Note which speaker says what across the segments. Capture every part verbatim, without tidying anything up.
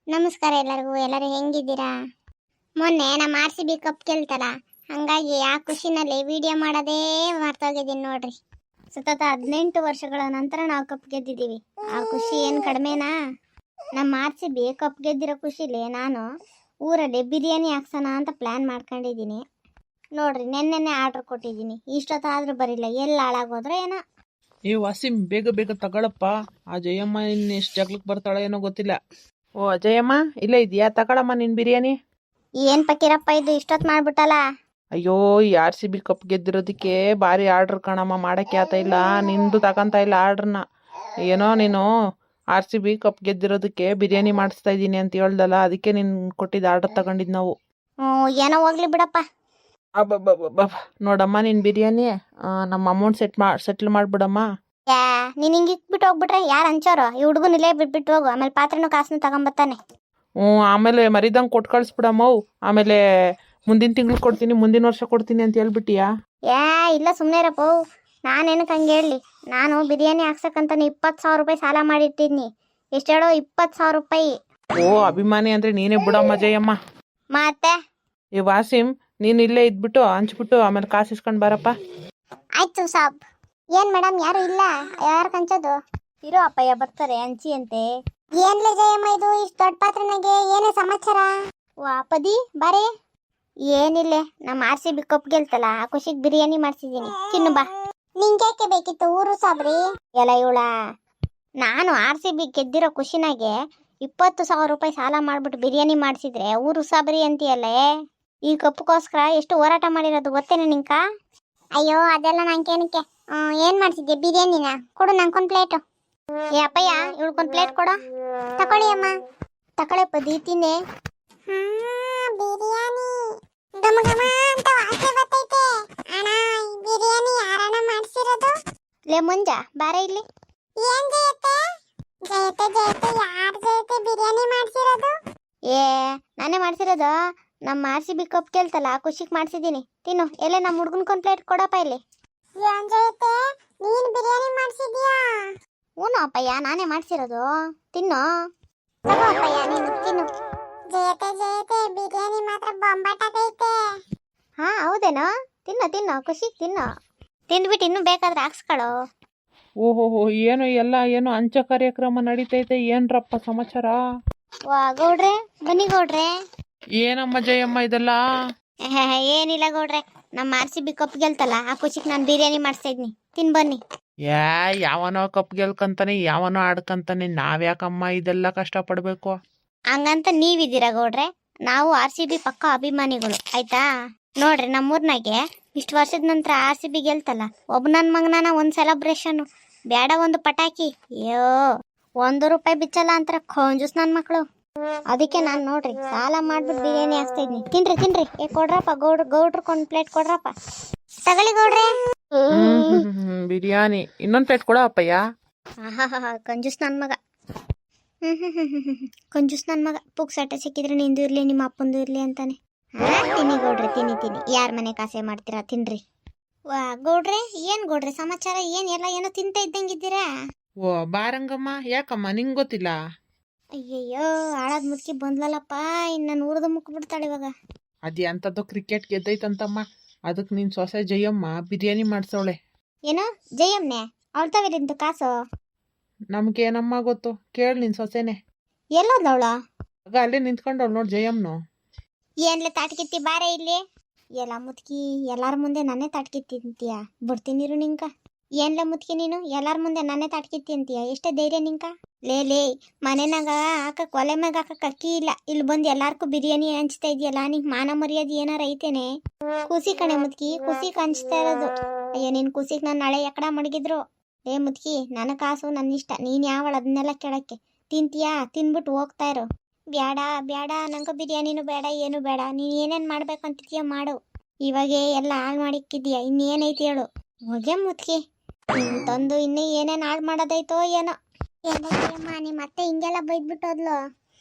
Speaker 1: ನಮಸ್ಕಾರ ಎಲ್ಲರಿಗೂ. ಎಲ್ಲರೂ ಹೆಂಗಿದ್ದೀರಾ? ಮೊನ್ನೆ ನಮ್ಮ ಆರ್ ಸಿ ಬಿ ಕಪ್ ಗೆಲ್ತಲ್ಲ, ಹಂಗಾಗಿ ಆ ಖುಷಿನಲ್ಲಿ ವಿಡಿಯೋ ಮಾಡೋದೇ ಮರ್ತೋಗಿದ್ದೀನಿ ನೋಡ್ರಿ. ಸತತ ಹದಿನೆಂಟು ವರ್ಷಗಳ ನಂತರ ನಾವು ಕಪ್ ಗೆದ್ದಿದ್ದೀವಿ. ಆ ಖುಷಿ ಏನು ಕಡಿಮೆನಾ? ನಮ್ಮ ಆರ್ ಸಿ ಬಿ ಕಪ್ ಗೆದ್ದಿರೋ ಖುಷಿಲಿ ನಾನು ಊರಲ್ಲಿ ಬಿರಿಯಾನಿ ಹಾಕ್ಸೋಣ ಅಂತ ಪ್ಲ್ಯಾನ್ ಮಾಡ್ಕೊಂಡಿದ್ದೀನಿ ನೋಡ್ರಿ. ನೆನ್ನೆನೆ ಆರ್ಡ್ರ್ ಕೊಟ್ಟಿದ್ದೀನಿ, ಇಷ್ಟೊತ್ತಾದ್ರೂ ಬರಿಲ್ಲ. ಎಲ್ಲಿ ಹಾಳಾಗೋದ್ರೆ ಏನೋ.
Speaker 2: ಏ ವಾಸಿಂ, ಬೇಗ ಬೇಗ ತಗೊಳಪ್ಪ. ಆ ಜಯಮ್ಮ ಇನ್ನು ಎಷ್ಟು ಜಗ್ಲಕ್ಕೆ ಬರ್ತಾಳೆ ಏನೋ ಗೊತ್ತಿಲ್ಲ. ಓ ಅಜಯಮ್ಮ, ಇಲ್ಲೇ ಇದೆಯಾ? ತಗೊಳಮ್ಮ ನಿನ್ ಬಿರಿಯಾನಿ.
Speaker 1: ಏನ್ ಪಕ್ಕೀರಪ್ಪ ಇದು ಇಷ್ಟೊತ್ತು ಮಾಡ್ಬಿಟ್ಟಲ್ಲ?
Speaker 2: ಅಯ್ಯೋ, ಈ ಆರ್ ಸಿ ಬಿ ಕಪ್ ಗೆದ್ದಿರೋದಕ್ಕೆ ಭಾರಿ ಆರ್ಡ್ರ್ ಕಣಮ್ಮ, ಮಾಡಕ್ಕೆ ಆತ ಇಲ್ಲ. ನಿಂದು ತಗೊಂತ ಇಲ್ಲ ಆರ್ಡ್ರನ್ನ. ಏನೋ ನೀನು ಆರ್ ಸಿ ಬಿ ಕಪ್ ಗೆದ್ದಿರೋದಕ್ಕೆ ಬಿರಿಯಾನಿ ಮಾಡಿಸ್ತಾ ಇದ್ದೀನಿ ಅಂತ ಹೇಳ್ದಲ್ಲ, ಅದಕ್ಕೆ ನೀನು ಕೊಟ್ಟಿದ್ದ ಆರ್ಡರ್ ತಗೊಂಡಿದ್ದು ನಾವು.
Speaker 1: ಹ್ಞೂ, ಏನೋ ಹೋಗ್ಲಿ ಬಿಡಪ್ಪ.
Speaker 2: ಅಬ್ಬಬ್ಬಬ್ಬ, ನೋಡಮ್ಮ ನಿನ್ ಬಿರಿಯಾನಿ. ಆ, ನಮ್ಮ ಅಮೌಂಟ್ ಸೆಟ್ ಮಾ ಸೆಟ್ಲ್ ಮಾಡ್ಬಿಡಮ್ಮ.
Speaker 1: ಯಾ ನೀನ್ ಹಿಂಗೆ ಇಕ್ಬಿಟ್ಟು ಹೋಗ್ಬಿಟ್ರೆ ಯಾರು ಹಂಚೋರು? ಈ ಹುಡುಗನ ಇಲ್ಲೇ ಬಿಟ್ಬಿಟ್ಟು ಹೋಗು, ಆಮೇಲೆ ಪಾತ್ರೆನೂ ಕಾಸನ್ನು ತಗೊಂಬತ್ತಾನೆ.
Speaker 2: ಹ್ಞೂ, ಆಮೇಲೆ ಮರಿದಂಗೆ ಕೊಟ್ಟು ಕಳಿಸ್ಬಿಡಮ್ಮವು. ಆಮೇಲೆ ಮುಂದಿನ ತಿಂಗಳು ಕೊಡ್ತೀನಿ, ಮುಂದಿನ ವರ್ಷ ಕೊಡ್ತೀನಿ ಅಂತ ಹೇಳ್ಬಿಟ್ಟಿಯಾ?
Speaker 1: ಯಾ ಇಲ್ಲ, ಸುಮ್ಮನೆ ಇರಪ್ಪ. ನಾನೇನಕ್ಕೆ ಹಂಗೆ ಹೇಳಲಿ? ನಾನು ಬಿರಿಯಾನಿ ಹಾಕ್ಸಕ್ಕಂತಾನೆ ಇಪ್ಪತ್ತು ಸಾವಿರ ರೂಪಾಯಿ ಸಾಲ ಮಾಡಿಟ್ಟಿದ್ನಿ. ಎಷ್ಟು ಹೇಳೋ? ಇಪ್ಪತ್ತು ಸಾವಿರ ರೂಪಾಯಿ.
Speaker 2: ಓ, ಅಭಿಮಾನಿ ಅಂದ್ರೆ ನೀನೇ ಬಿಡಮ್ಮ ಜಯಮ್ಮ.
Speaker 1: ಮತ್ತೆ
Speaker 2: ಏ ವಾಸಿಂ, ನೀನು ಇಲ್ಲೇ ಇದ್ಬಿಟ್ಟು ಹಂಚ್ಬಿಟ್ಟು ಆಮೇಲೆ ಕಾಸು ಇಸ್ಕೊಂಡು ಬಾರಪ್ಪ.
Speaker 1: ಆಯ್ತು ಸಾಬ್. ಏನ್ ಮೇಡಮ್, ಯಾರು ಇಲ್ಲ? ಯಾರು ಕಂಚೋದು? ಇರೋ ಅಪ್ಪಯ್ಯ ಬರ್ತಾರೆ, ಹಂಚಿ ಅಂತೆ. ಏನ್ಲೇ ಜಯಮ್ಮ ಇದು ಇಷ್ಟು ದೊಡ್ಡ ಪಾತ್ರನಾಗೆ? ಏನೇ ಸಮಾಚಾರ? ಓ ಅಪ್ಪದಿ ಬಾರೆ. ಏನಿಲ್ಲ, ನಮ್ಮ ಆರ್ ಸಿ ಬಿ ಕಪ್ ಗೆಲ್ತಲ್ಲ, ಆ ಖುಷಿಗೆ ಬಿರಿಯಾನಿ ಮಾಡ್ಸಿದ್ದೀನಿ, ತಿನ್ನು ಬಾ. ನಿಂಗ್ಯಾಕೆ ಬೇಕಿತ್ತು ಊರು ಸಾಬ್ರಿ? ಎಲ್ಲ ಇವಳ, ನಾನು ಆರ್ ಸಿ ಬಿ ಗೆದ್ದಿರೋ ಖುಷಿನಾಗೆ ಇಪ್ಪತ್ತು ಸಾವಿರ ರೂಪಾಯಿ ಸಾಲ ಮಾಡ್ಬಿಟ್ಟು ಬಿರಿಯಾನಿ ಮಾಡಿಸಿದ್ರೆ ಊರು ಸಾಬ್ರಿ ಅಂತೀಯಲ್ಲೇ? ಈ ಕಪ್ಪಗೋಸ್ಕರ ಎಷ್ಟು ಹೋರಾಟ ಮಾಡಿರೋದು ಗೊತ್ತೇನೆ ನಿಂಕ? ಅಯ್ಯೋ ಅದೆಲ್ಲ ನಂಗೇನಕ್ಕೆ. ಏನ್ ಮಾಡ್ತಿದ್ದೆ? ಬಿರಿಯಾನಿನ ಕೊಡು ನಂಗೊಂದು ಪ್ಲೇಟು. ಏ ಅಪ್ಪಯ್ಯ, ಇವಳ್ಕೊಂದು ಪ್ಲೇಟ್ ಕೊಡು. ತಕೊಳ್ಳಿ ಅಮ್ಮ. ತಕೊಳ್ಳೆ ಪದಿ, ತಿನ್ನೆ. ಬಿರಿಯಾನಿ ಘಮ ಘಮ ಅಂತ ವಾಸನೆ ಬರ್ತೈತೆ. ಅಣ್ಣ, ಬಿರಿಯಾನಿ ಯಾರಣ್ಣ ಮಾಡ್ಸಿರೋದು? ಲೇ ಮುಂಜ ಬಾರೆ ಇಲ್ಲಿ. ಏನ್ ಜಯತೆ ಜಯತೆ ಜಯತೆ ಯಾರ್ ಜಯತೆ ಬಿರಿಯಾನಿ ಮಾಡ್ಸಿರೋದು? ಏ ನಾನೇ ಮಾಡ್ಸಿರೋದು. ನಮ್ಮ ಆರ್ ಸಿ ಬಿ ಕಪ್ ಗೆಲ್ತಲ್ಲ, ಖುಷಿಗೆ ಮಾಡ್ಸಿದ್ದೀನಿ, ತಿನ್ನು. ಎಲ್ಲೇ ನಮ್ಮ ಹುಡ್ಗನ್ಕೊಂದು ಪ್ಲೇಟ್ ಕೊಡಪ್ಪ ಇಲ್ಲಿ. ಏನ್ ಜಯತೆ, ನೀನ್ ಬಿರಿಯಾನಿ ಮಾಡ್ಸಿದ್ಯಾ? ಹ್ಞೂ ಅಪ್ಪಯ್ಯ, ನಾನೇ ಮಾಡ್ಸಿರೋದು, ತಿನ್ನು. ತಗೋ ಅಪ್ಪಯ್ಯ, ನೀನು ತಿನ್ನು. ಜಯತೆ ಜಯತೆ ಬಿರಿಯಾನಿ ಮಾತ್ರ ಬೊಂಬಾಟಾಗೈತೆ. ಹಾ ಹೌದೇನೋ? ತಿನ್ನು ತಿನ್ನು, ಖುಷಿಗೆ ತಿನ್ನು. ತಿಂದ್ಬಿಟ್ಟು ಇನ್ನೂ ಬೇಕಾದ್ರೆ ಹಾಕ್ಸ್ಕೊಳ್ಳೋ.
Speaker 2: ಓಹೋಹೋ, ಏನು ಎಲ್ಲ ಏನು ಹಂಚ ಕಾರ್ಯಕ್ರಮ ನಡೀತೈತೆ. ಏನ್ರಪ್ಪ ಸಮಾಚಾರ?
Speaker 1: ವಾ ಗೌಡ್ರೆ, ಬನ್ನಿ ಗೌಡ್ರೆ.
Speaker 2: ಏನಮ್ಮ ಜಯಮ್ಮ ಇದೆಲ್ಲ?
Speaker 1: ಏನಿಲ್ಲ ಗೌಡ್ರೆ, ನಮ್ಮ ಆರ್ ಸಿ ಬಿ ಕಪ್ ಗೆಲ್ತಲ್ಲ, ಆ ಖುಷಿಗೆ ನಾನು ಬಿರಿಯಾನಿ ಮಾಡಿಸ್ತಾ ಇದ್ನಿ, ತಿನ್ ಬನ್ನಿ.
Speaker 2: ಯಾ ಯಾವನೋ ಕಪ್ ಗೆಲ್ಕಂತಾನೆ, ಯಾವನೋ ಆಡ್ಕಂತಾನೆ, ನಾವ್ಯಾಕಮ್ಮ ಇದೆಲ್ಲ ಕಷ್ಟಪಡ್ಬೇಕು?
Speaker 1: ಹಂಗಂತ ನೀವಿದ್ದೀರಾ ಗೌಡ್ರೆ? ನಾವು ಆರ್ ಸಿ ಬಿ ಪಕ್ಕ ಅಭಿಮಾನಿಗಳು, ಆಯ್ತಾ? ನೋಡ್ರಿ, ನಮ್ಮೂರ್ನಾಗೆ ಇಷ್ಟು ವರ್ಷದ ನಂತರ ಆರ್ ಸಿ ಬಿ ಗೆಲ್ತಲ್ಲ, ಒಬ್ಬ ನನ್ನ ಮಗನ ಒಂದು ಸೆಲೆಬ್ರೇಷನ್ ಬೇಡ, ಒಂದು ಪಟಾಕಿ, ಅಯ್ಯೋ ಒಂದು ರೂಪಾಯಿ ಬಿಚ್ಚಲ್ಲ ಅಂತಾರೆ ಖಂಜೂಸ್ ನನ್ನ ಮಕ್ಕಳು. ಅದಕ್ಕೆ ನಾನು ನೋಡ್ರಿ ಸಾಲ ಮಾಡ್ಬಿಟ್ಟು ಬಿರಿಯಾನಿ ಹಾಕ್ತಾ ಇದ್ನಿ. ತಿನ್ರಿ ತಿನ್ರಿ. ಏ ಕೊಡ್ರಪ್ಪ ಗೌಡ್ರ, ಗೌಡ್ರಕ್ಕೊಂದು ಪ್ಲೇಟ್ ಕೊಡ್ರಪ್ಪ. ತಗೊಳ್ಳಿ ಗೌಡ್ರೆ.
Speaker 2: ಬಿರಿಯಾನಿ ಇನ್ನೊಂದು ಪ್ಲೇಟ್ ಕೊಡ ಅಪ್ಪಯ್ಯ.
Speaker 1: ಆಹಾ, ಕಂಜೂಸ್ ನನ್ನ ಮಗ. ಹ್ಮ್ ಹ್ಮ್ ಹ್ಮ್ ಹ್ಮ್ ಹ್ಮ್ ಕಂಜೂಸ್ ನನ್ನ ಮಗ. ಪುಕ್ಸಾಟ ಸಿಕ್ಕಿದ್ರೆ ನಿಂದು ಇರ್ಲಿ, ನಿಮ್ಮ ಅಪ್ಪಂದು ಇರ್ಲಿ ಅಂತಾನೆ. ಹಾ ತಿನ್ನಿ ಗೌಡ್ರೆ, ತಿನ್ನಿ ತಿನ್ನಿ. ಯಾರ ಮನೆ ಕಾಸೆ ಮಾಡ್ತೀರಾ, ತಿನ್ರಿ. ವಾ ಗೌಡ್ರೆ, ಏನ್ ಗೌಡ್ರೆ ಸಮಾಚಾರ? ಏನ್ ಎಲ್ಲ ಏನೋ ತಿಂತ ಇದ್ದಂಗಿದ್ದೀರಾ?
Speaker 2: ಓ ಬಾರಂಗಮ್ಮ, ಯಾಕಮ್ಮ ನಿಂಗೆ ಗೊತ್ತಿಲ್ಲ?
Speaker 1: ಅಯ್ಯಯ್ಯೋ, ಹಾಳಾದ್ ಮುದುಕಿ ಬಂದ್ಲಲ್ಲಪ್ಪ, ಇನ್ನು ನಾನು ಊರ್ದು ಮುಕ್ ಬಿಡ್ತಾಳೆ ಇವಾಗ.
Speaker 2: ಅದೇ ಅಂತದ್ದು ಕ್ರಿಕೆಟ್ ಗೆದ್ದೈತಂತಮ್ಮ, ಅದಕ್ಕೆ ನಿನ್ ಸೊಸೆ ಜಯಮ್ಮ ಬಿರಿಯಾನಿ ಮಾಡ್ಸವಳೆ.
Speaker 1: ಏನೋ ಜಯಮ್ನೆ? ಅವಳು ತವೇಲಿಂತ ಕಾಸು?
Speaker 2: ನಮ್ಗೇನಮ್ಮ ಗೊತ್ತು, ಕೇಳಿ ನಿನ್ ಸೊಸೆನೆ.
Speaker 1: ಎಲ್ಲೋದ್ಲವಳ?
Speaker 2: ಆಗ ಅಲ್ಲೇ ನಿಂತ್ಕೊಂಡವಳು ನೋಡ್ ಜಯಮ್ನು.
Speaker 1: ಏನ್ಲೆ ತಾಟ್ಕಿತ್ತಿ ಬಾರೆ ಇಲ್ಲಿ. ಎಲ್ಲ ಮುತ್ಕಿ ಎಲ್ಲಾರ ಮುಂದೆ ನನ್ನೇ ತಾಟ್ಕಿತ್ತಿ ಅಂತೀಯ? ಬಿಡ್ತೀನಿರು ನಿಂಕ. ಏನ್ಲ ಮುತ್ಕಿ ನೀನು ಎಲ್ಲಾರ ಮುಂದೆ ನನ್ನೇ ತಾಟ್ಕಿತ್ತಿ ಅಂತೀಯ? ಎಷ್ಟೇ ಧೈರ್ಯ ನಿಂಕ? ಲೇ ಲೇ, ಮನೆನಾಗ ಹಾಕಕ್ ಒಲೆ ಮ್ಯಾಗ ಹಾಕಕ್ ಅಕ್ಕಿ ಇಲ್ಲ, ಇಲ್ಲಿ ಬಂದು ಎಲ್ಲಾರ್ಗೂ ಬಿರಿಯಾನಿ ಹಂಚ್ತಾ ಇದೆಯಲ್ಲ, ನಿಂಗೆ ಮಾನ ಮರ್ಯಾದೆ ಏನಾರ ಐತೇನೆ? ಖುಷಿ ಕಣೆ ಮುತ್ಕಿ, ಖುಷಿಗೆ ಹಂಚ್ತಾ ಇರೋದು. ಅಯ್ಯೋ ನಿನ್ ಖುಷಿಗೆ ನಾನು ನಾಳೆ ಎಕಡ ಮಡಗಿದ್ರು. ಲೇ ಮುತ್ಕಿ, ನನ್ನ ಕಾಸು ನನ್ನ ಇಷ್ಟ, ನೀನು ಯಾವಳ ಅದನ್ನೆಲ್ಲ ಕೇಳಕ್ಕೆ? ತಿಂತೀಯಾ? ತಿನ್ಬಿಟ್ಟು ಹೋಗ್ತಾ ಇರು. ಬ್ಯಾಡ ಬ್ಯಾಡ, ನಂಗೆ ಬಿರಿಯಾನಿನೂ ಬೇಡ, ಏನು ಬೇಡ. ನೀನು ಏನೇನು ಮಾಡ್ಬೇಕಂತಿದ್ಯಾ ಮಾಡು. ಇವಾಗೇ ಎಲ್ಲ ಹಾಳು ಮಾಡಿಕ್ಕಿದ್ಯಾ, ಇನ್ನೇನೈತಿ ಹೇಳು. ಹೋಗೆ ಮುತ್ಕಿ, ನೀನು ತಂದು ಇನ್ನೂ ಏನೇನು ಹಾಳು ಮಾಡೋದೈತೋ ಏನೋ. ಏನಮ್ಮ ನಿಮ್ಮ ಮತ್ತೆ ಹಿಂಗೆಲ್ಲ ಬೈದ್ಬಿಟ್ಟೋದ್ಲು?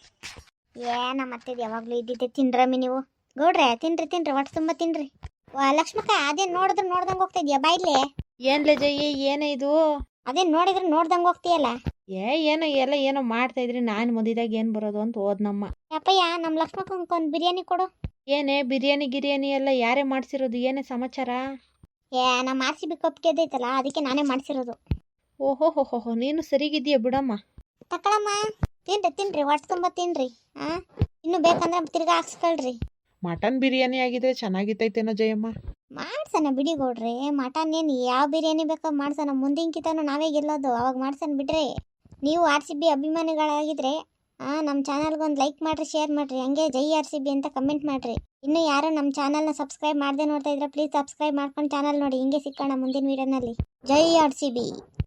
Speaker 1: ಏನ ಮತ್ತೆ ಯಾವಾಗಲೂ ಇದ್ದಿದ್ದೆ. ತಿನ್ರಮ್ಮಿ ನೀವು ಗೌಡ್ರೆ, ತಿನ್ರಿ ತಿನ್ರಿ, ಒಟ್ಟು ತುಂಬ ತಿನ್ರಿ. ವಾ ಲಕ್ಷ್ಮಕ್ಕ, ಅದೇನು ನೋಡಿದ್ರೆ ನೋಡ್ದಂಗೆ ಹೋಗ್ತಾ ಇದೆಯಾ ಬಾಯ್ಲೆ?
Speaker 2: ಏನ್ಲೆ ಜಯಿ, ಏನೇ ಇದು?
Speaker 1: ಅದೇನು ನೋಡಿದ್ರೆ ನೋಡ್ದಂಗೆ ಹೋಗ್ತೀಯಲ್ಲ?
Speaker 2: ಏ ಏನೋ ಎಲ್ಲ ಏನೋ ಮಾಡ್ತಾ ಇದ್ರಿ ನಾನು ಮದಿದಾಗ ಏನು ಬರೋದು ಅಂತ ಹೋದ್ನಮ್ಮ.
Speaker 1: ಯಪ್ಪಯ್ಯ ನಮ್ಮ ಲಕ್ಷ್ಮಕ್ಕಂಗೆ ಒಂದು ಬಿರಿಯಾನಿ ಕೊಡು.
Speaker 2: ಏನೇ ಬಿರಿಯಾನಿ ಗಿರಿಯಾನಿ ಎಲ್ಲ ಯಾರೇ ಮಾಡಿಸಿರೋದು, ಏನೇ ಸಮಾಚಾರ?
Speaker 1: ಏ ನಮ್ಮ ಆರ್ ಸಿ ಬಿ ಕಪ್ ಗೆದ್ದೈತಲ್ಲ ಅದಕ್ಕೆ ನಾನೇ ಮಾಡಿಸಿರೋದು.
Speaker 2: ಓಹೋ ಹೋ ಹೋ ಹೋ ನೀನು ಸರಿಗಿದ್ದೀಯ ಬಿಡಮ್ಮ.
Speaker 1: ತಕೊಳಮ್ಮ, ತಿನ್ರಿ ತಿನ್ರಿ ಹೊಟ್ಟೆ ತುಂಬ ತಿನ್ರಿ. ಹಾಂ ಇನ್ನೂ ಬೇಕಂದ್ರೆ ತಿರ್ಗಾ ಹಾಕ್ಸ್ಕೊಳ್ರಿ.
Speaker 2: ಮಟನ್ ಬಿರಿಯಾನಿ ಆಗಿದ್ರೆ ಚೆನ್ನಾಗಿತ್ತೈತೇನೋ ಜಯಮ್ಮ.
Speaker 1: ಮಾಡ್ಸೋಣ ಬಿಡಿ ಗೌಡ್ರಿ, ಮಟನ್ ಏನು ಯಾವ ಬಿರಿಯಾನಿ ಬೇಕೋ ಮಾಡ್ಸೋಣ. ಮುಂದಿನ ಕಿತನೂ ನಾವೇ ಗೆಲ್ಲೋದು, ಅವಾಗ ಮಾಡ್ಸೋಣ ಬಿಡ್ರಿ. ನೀವು ಆರ್ ಸಿ ಬಿ ಅಭಿಮಾನಿಗಳಾಗಿದ್ರೆ ಹಾಂ ನಮ್ಮ ಚಾನಲ್ಗೊಂದು ಲೈಕ್ ಮಾಡಿರಿ, ಶೇರ್ ಮಾಡಿರಿ, ಹಂಗೆ ಜೈ ಆರ್ ಸಿ ಬಿ ಅಂತ ಕಮೆಂಟ್ ಮಾಡಿರಿ. ಇನ್ನೂ ಯಾರು ನಮ್ಮ ಚಾನಲ್ನ ಸಬ್ಸ್ಕ್ರೈಬ್ ಮಾಡದೆ ನೋಡ್ತಾ ಇದ್ರೆ ಪ್ಲೀಸ್ ಸಬ್ಸ್ಕ್ರೈಬ್ ಮಾಡ್ಕೊಂಡು ಚಾನಲ್ ನೋಡಿ. ಹಿಂಗೆ ಸಿಕ್ಕೋಣ ಮುಂದಿನ ವೀಡಿಯೋನಲ್ಲಿ. ಜೈ ಆರ್ ಸಿ ಬಿ.